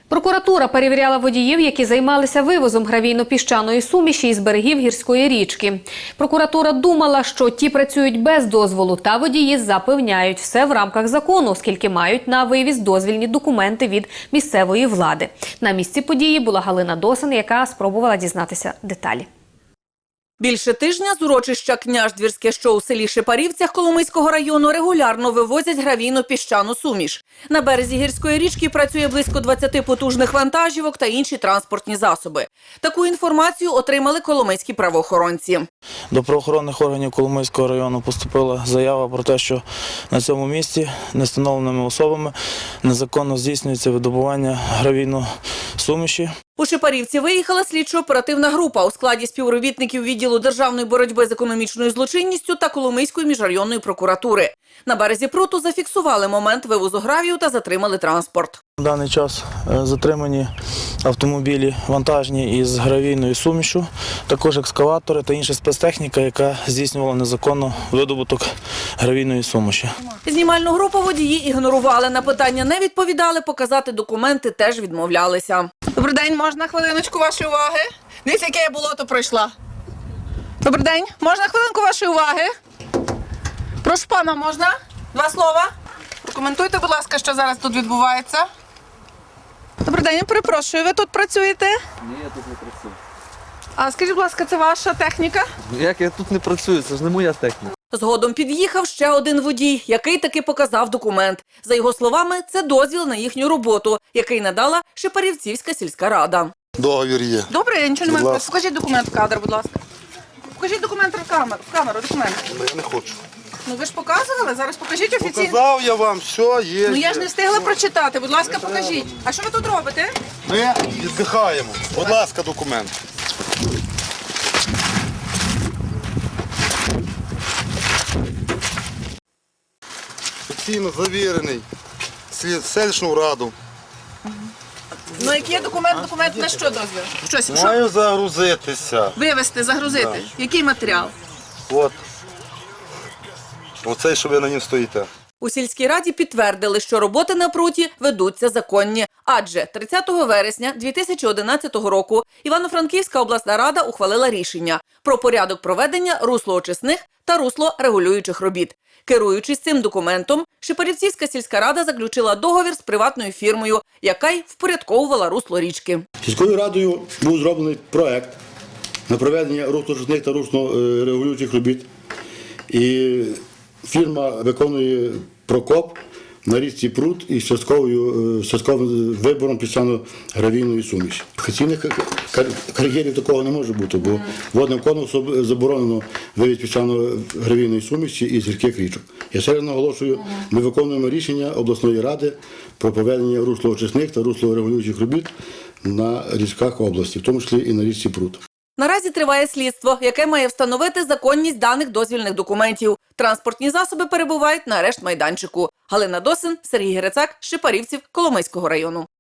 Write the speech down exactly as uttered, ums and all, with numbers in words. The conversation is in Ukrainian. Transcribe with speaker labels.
Speaker 1: Прокуратура перевіряла водіїв, які займалися вивозом гравійно-піщаної суміші із берегів гірської річки. Прокуратура думала, що ті працюють без дозволу, та водії запевняють, все в рамках закону, оскільки мають на вивіз дозвільні документи від місцевої влади. На місці події була Галина Досин, яка спробувала дізнатися деталі.
Speaker 2: Більше тижня з урочища Княждвірське, що у селі Шепарівцях Коломийського району, регулярно вивозять гравійно-піщану суміш. На березі гірської річки працює близько двадцяти потужних вантажівок та інші транспортні засоби. Таку інформацію отримали коломийські правоохоронці.
Speaker 3: До правоохоронних органів Коломийського району поступила заява про те, що на цьому місці невстановленими особами незаконно здійснюється видобування гравійної суміші.
Speaker 2: У Шепарівці виїхала слідчо-оперативна група у складі співробітників відділу державної боротьби з економічною злочинністю та Коломийської міжрайонної прокуратури. На березі пруту зафіксували момент вивозу гравію та затримали транспорт.
Speaker 3: В даний час затримані автомобілі вантажні із гравійною сумішю, також екскаватори та інша спецтехніка, яка здійснювала незаконно видобуток гравійної суміші.
Speaker 2: Знімальну групу водії ігнорували, на питання не відповідали, показати документи теж відмовлялися.
Speaker 4: Добрий день, можна хвилиночку вашої уваги? Дивіться, яке я болото пройшла. Добрий день, можна хвилинку вашої уваги? Прошу пана, можна? Два слова. Прокоментуйте, будь ласка, що зараз тут відбувається. Добрий день, я перепрошую, ви тут працюєте?
Speaker 5: Ні, я тут не працюю.
Speaker 4: А скажіть, будь ласка, це ваша техніка?
Speaker 5: Як я тут не працюю, це ж не моя техніка.
Speaker 2: Згодом під'їхав ще один водій, який таки показав документ. За його словами, це дозвіл на їхню роботу, який надала Шепарівцівська сільська рада.
Speaker 6: Договір є.
Speaker 4: Добре, я нічого не
Speaker 6: Будь
Speaker 4: маю.
Speaker 6: ласка.
Speaker 4: Покажіть документ в кадр, будь ласка. Покажіть документ в камеру, в камеру, документ.
Speaker 6: Я не хочу.
Speaker 4: Ну ви ж показували, зараз покажіть офіційно.
Speaker 6: Показав я вам, все є.
Speaker 4: Ну я ж
Speaker 6: є.
Speaker 4: не встигла прочитати, будь ласка, покажіть. А що ви тут робите?
Speaker 6: Ми віддихаємо. Будь ласка, документ. Офіційно завірений. Слід- селищну раду.
Speaker 4: Ну який є документ, документ на що дозвіл? Щось, що?
Speaker 6: Маю загрузитися.
Speaker 4: Вивезти, загрузити. Який матеріал?
Speaker 6: От. Оцей, що ви на ньому стоїте.
Speaker 2: У сільській раді підтвердили, що роботи на пруті ведуться законні. Адже тридцятого вересня дві тисячі одинадцятого року Івано-Франківська обласна рада ухвалила рішення про порядок проведення руслоочисних та руслорегулюючих робіт. Керуючись цим документом, Шепарівцівська сільська рада заключила договір з приватною фірмою, яка й впорядковувала русло річки.
Speaker 7: Сільською радою був зроблений проект на проведення руслоочисних та руслорегулюючих робіт. І фірма виконує прокоп на річці Прут із частковою, частковим вибором піщано-гравійної суміші. Офіційних кар'єрів такого не може бути, бо водним конкурсом заборонено вивіз піщано-гравійної суміші із гірських річок. Я ще раз наголошую, ми виконуємо рішення обласної ради про проведення руслоочисних та руслорегулюючих робіт на річках області, в тому числі і на річці Прут.
Speaker 2: Наразі триває слідство, яке має встановити законність даних дозвільних документів. Транспортні засоби перебувають на арешт-майданчику. Галина Досин, Сергій Герецак, Шепарівців, Коломийського району.